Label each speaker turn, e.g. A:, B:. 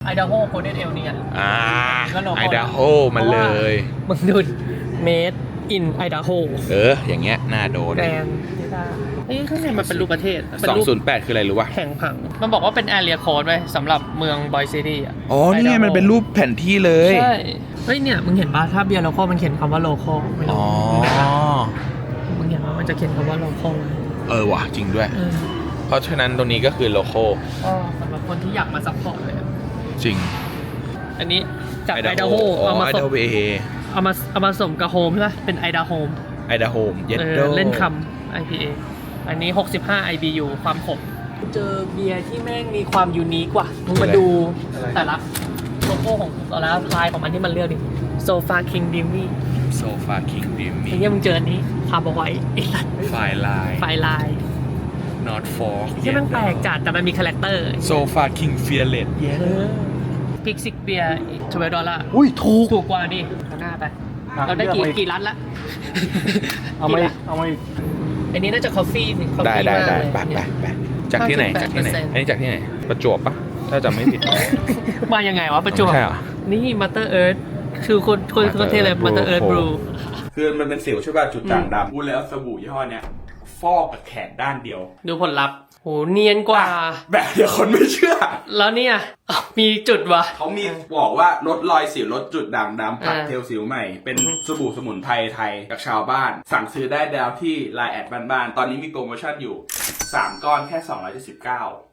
A: ดาโฮโกลเด้นเอลเนี่ย
B: ไอดาโฮมันเลย
A: มึงดูเมดอินไอดาโฮ
B: อย่างเงี้ยน่าโดน
A: แกรนด์นี่ข้างในมันเป็นรูปประเทศ
B: 208คืออะไรรู้ป่ะ
A: แข่งผังมันบอกว่าเป็น area code ไว้สำหรับเมืองบอยซิตี้อ่ะ
B: อ๋อนี่ไงมันเป็นรูปแผนที่เลย
A: ใช่เฮ้ยเนี่ยมึงเห็นป่ะถ้าเบียร์โลคอลมันเขียนคำว่าโลคอล
B: อ๋อ
A: มึงเห็นว่ามันจะเขียนคำว่าโลคอล
B: ว่ะจริงด้วยเพราะฉะนั้นตรงนี้ก็คือโลโก้
A: สำหรับคนที่อยากมาซัพพอร์ตเลย
B: จริง
A: อันนี้จากไอดาโฮเอามาผสมกับโฮมใช่ไหมเป็นไอดาโฮม
B: เย็ดโด
A: เล่นคำ IPA อันนี้65 IBU ความขมเจอเบียร์ที่แม่งมีความยูนิคกว่ามึงมาดูแต่ละโลโก้ของแต่ละลายของมันที่มันเลือกดิโซฟาคิงดิมมี่ไอ้เนี่ยมึงเจออันนี้คาร์บอนไวท์
B: ไฟลาย not for
A: ที่มันแปลกจัดแต่มันมีคาแรคเตอร์
B: โซฟาคิงเฟียร์เลส
A: พิกซิกเบียร์$12
B: อุ้ยถู
A: กกว่าดิเอาหน้าไปเราได้กี่รัดละ
B: เอาไม่
A: อันนี้น่าจะคอฟฟี่สิ
B: ได้ไปจากที่ไหนอันนี้จากที่ไหนประจวบปะถ้าจำไม่ผิด
A: มายังไงวะประจวบนี่มัตเตอร์เอิร์ธคือคนเทเลยมัตเตอร์เอิร์ธบลู
B: คือมันเป็นสิวใช่ป่ะจุดด่างดำพูดแล้วสบู่ยี่ห้อเนี้ยฟอกกับแขนด้านเดียว
A: ดูผลลัพธ์โหเนียนกว่า
B: แบบเดี๋ยวคนไม่เชื่อ
A: แล้วเนี่ยมีจุดวะ
B: เขามีบอกว่าลดรอยสิวลดจุดด่างดำปัดเทลสิวใหม่เป็นสบู่สมุนไพรไทยกับชาวบ้านสั่งซื้อได้แล้วที่ไลน์แอดบ้านๆตอนนี้มีโปรโมชั่นอยู่3ก้อนแค่279